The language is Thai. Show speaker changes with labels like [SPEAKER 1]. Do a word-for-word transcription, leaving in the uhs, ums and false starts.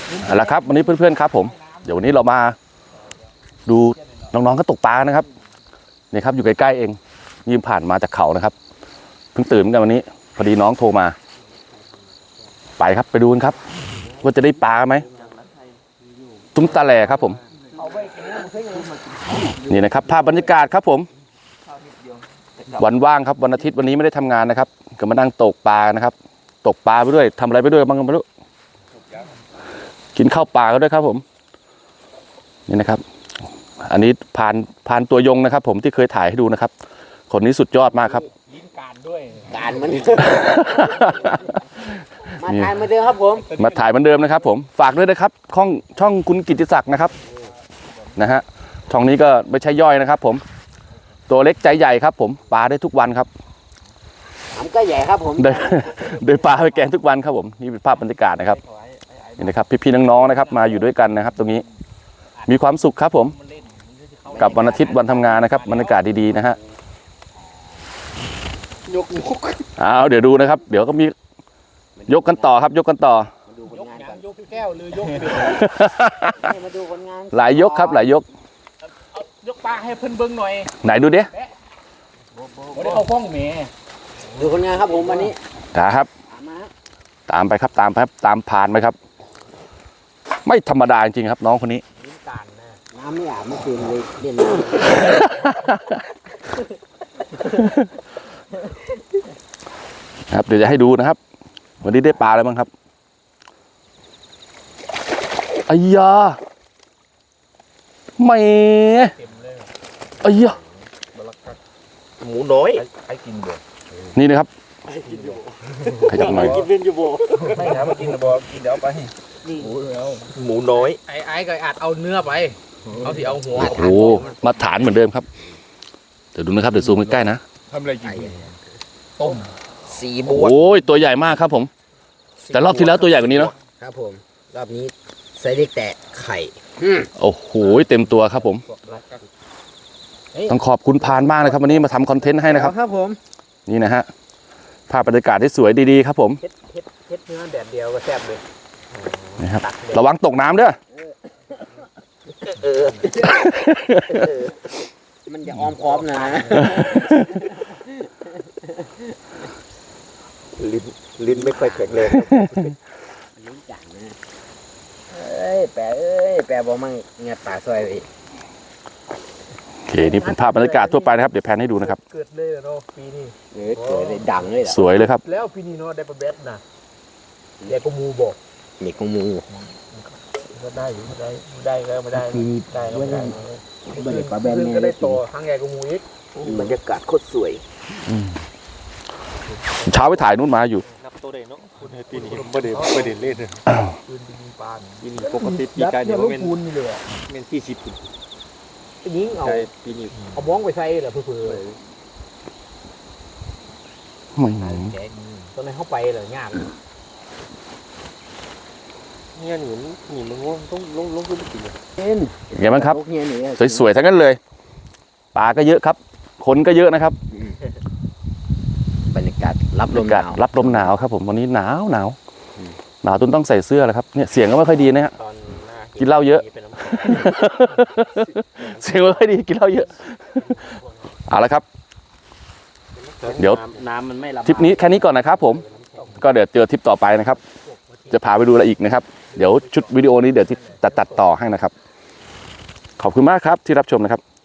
[SPEAKER 1] เอาละครับวันนี้เพื่อนๆครับผมเดี๋ยววันนี้เรามาดูน้องๆก็ตกปลานะครับนี่ครับอยู่ใกล้ๆเองยืมผ่านมาจากเขานะครับเพิ่งตื่นกันวันนี้พอดีน้องโทรมาไปครับไปดูกันครับว่าจะได้ปลาไหมตุ้มตาแหล่ครับผมนี่นะครับภาพบรรยากาศครับผมวันว่างครับวันอาทิตย์วันนี้ไม่ได้ทำงานนะครับก็มานั่งตกปลานะครับตกปลาไปด้วยทำอะไรไปด้วยบ้างก็ไม่รู้กินข้าวปลาก็ด้วยครับผมนี่นะครับอันนี้พานพานตัวยงนะครับผมที่เคยถ่ายให้ดูนะครับคนนี้สุดยอดมากครับ
[SPEAKER 2] ลิ้นการด้วย
[SPEAKER 3] การมันมาถ่ายเหมือนเดิมครับผม
[SPEAKER 1] มาถ่ายเหมือนเดิมนะครับผมฝากด้วยนะครับช่องช่องคุณกิตติศักดิ์นะครับนะฮะช่องนี้ก็ไม่ใช่ย่อยนะครับผมตัวเล็กใจใหญ่ครับผมปลาได้ทุกวันครับ
[SPEAKER 3] ผมก็ใหญ่ครับผม
[SPEAKER 1] โดยปลาไปแกงทุกวันครับผมนี่เป็นภาพบรรยากาศนะครับนี่นะครับพี่ๆน้องๆนะครับมาอยู่ด้วยกันนะครับตรงนี้มีความสุขครับผมกับวันอาทิตย์วันทำงานนะครับบรรยากาศดีๆนะฮะ
[SPEAKER 3] ยกยก
[SPEAKER 1] เอาเดี๋ยวดูนะครับเดี๋ยวก็มียกกันต่อครับยกกันต่อย
[SPEAKER 2] กยกแก้วหรือยก
[SPEAKER 3] มาดูผลงาน
[SPEAKER 1] หลายยกครับหลายยก
[SPEAKER 2] ยกปลาให้เพิ่นเบิ้งหน่อย
[SPEAKER 1] ไหนดูดิ
[SPEAKER 2] วันนี้เขาฟ้องเมย์
[SPEAKER 3] ดูผลงานครับผมวันนี้
[SPEAKER 1] ครับตามไปครับตามครับตามผ่านไปครับไม่ธรรมดาจริงๆครับน้องคนนี้
[SPEAKER 3] น้ำไม่อาบเมื่อคืนเลยเล่น
[SPEAKER 1] น้ำครับเดี๋ยวจะให้ดูนะครับวันนี้ได้ปลาอะไรบ้างครับอ้ยาไม่อ้ยา
[SPEAKER 2] หมูน้อยใครกินบ่
[SPEAKER 1] นี่นะครับ
[SPEAKER 3] ขยับหน่อยกินเป็นอยู่บ่
[SPEAKER 2] ไม่นะมากินนะบ่กินเดี๋ยวไปหมูหมูน้อยไอ้ไอ้ก็อาจเอาเนื้อไปเอาที่เอาหัว
[SPEAKER 1] โอ้มาฐานเหมือนเดิมครับเดี๋ยวดูนะครับเดี๋ยวซูมใกล้ๆนะ
[SPEAKER 2] ทำอะไรกินต้ม
[SPEAKER 3] สีบัว
[SPEAKER 1] โอ้ยตัวใหญ่มากครับผมแต่รอบที่แล้วตัวใหญ่กว่านี้เนาะ
[SPEAKER 3] ครับผมรอบนี้ไซส์เล็กแต่ไข่
[SPEAKER 1] โอ้โหเต็มตัวครับผมต้องขอบคุณพานมากนะครับวันนี้มาทำคอนเทนต์ให้นะครับ
[SPEAKER 3] ครับผม
[SPEAKER 1] นี่นะฮะภาพบรรยากาศที่สวยดีๆครับผม
[SPEAKER 3] เฮ็ดเฮ็ดเฮ็ดเนื้อแดดเดียวก็แซ่บเลย
[SPEAKER 1] นะครับระวังตกน้ำเด้อ
[SPEAKER 3] เออมันจะออมพร้อมนะลิ้นลิ้นไม่ค่อยแข็งเลยลิ้นจังนะเอ้ยแปะเอ้ยแปะบอกมั่งเงี้ยตาซอยไป
[SPEAKER 1] โอเคนี่เป็นภาพบรรยากาศทั่วไปนะครับเดี๋ยวแพนให้ดูนะครับ
[SPEAKER 2] เกิดเลยเนาะปีนี้
[SPEAKER 3] เออเกิดเลยดังเลย
[SPEAKER 1] สวยเลยครับ
[SPEAKER 2] แล้วปีนี้เนาะได้ปลาเบ็ดนะเด็กก็มูบอก
[SPEAKER 3] เด็กก็มู
[SPEAKER 2] ก็ได้อยู่ได้ได้ก็ไม่ได้ได้ก็ไม่ได้
[SPEAKER 3] เด็กปลาแบน
[SPEAKER 2] เนี่ยก็ได้โตทางใหญ่ก็มูอีก
[SPEAKER 3] บรรยากาศโคตรสวย
[SPEAKER 1] เช้าไปถ่ายนู่นมาอยู่
[SPEAKER 2] นับตัวเด็กเนาะคุณปีนี้ไม่ได้ไม่ได้เล่นเลยปืนปีนี้ปานปีนี้ปกติปีกายเดี๋ยวเป็นเป็นที่สิบยิงเอาปีนี้เอาบ้องไปใส่เหรอเพื่อเพื่อ
[SPEAKER 1] ไม่ไหน
[SPEAKER 2] ตอนนั้นเข้าไปเหรอยากเนี่ยหนูหนูมันง่วงต้องลงลงขึ้นไปกินเลย
[SPEAKER 1] ไงบ้างครับสวยๆทั้งนั้นเลยปลาก็เยอะครับคนก็เยอะนะครับ
[SPEAKER 3] บรรยากาศรับลมหนาว
[SPEAKER 1] รับลมหนาวครับผมวันนี้หนาวหนาวหนาวจนต้องใส่เสื้อแล้วครับเนี่ยเสียงก็ไม่ค่อยดีนะฮะกินเหล้าเยอะเสียงไม่ค่อยดีกินเหล้าเยอะเอาละครับเดี๋ยว
[SPEAKER 2] น้ำมันไม่รับ
[SPEAKER 1] ทริปนี้แค่นี้ก่อนนะครับผมก็เดี๋ยวเจอทริปต่อไปนะครับจะพาไปดูอะไรอีกนะครับเดี๋ยวชุดวิดีโอนี้เดี๋ยวที่ตัดตัดต่อให้นะครับขอบคุณมากครับที่รับชมนะครับ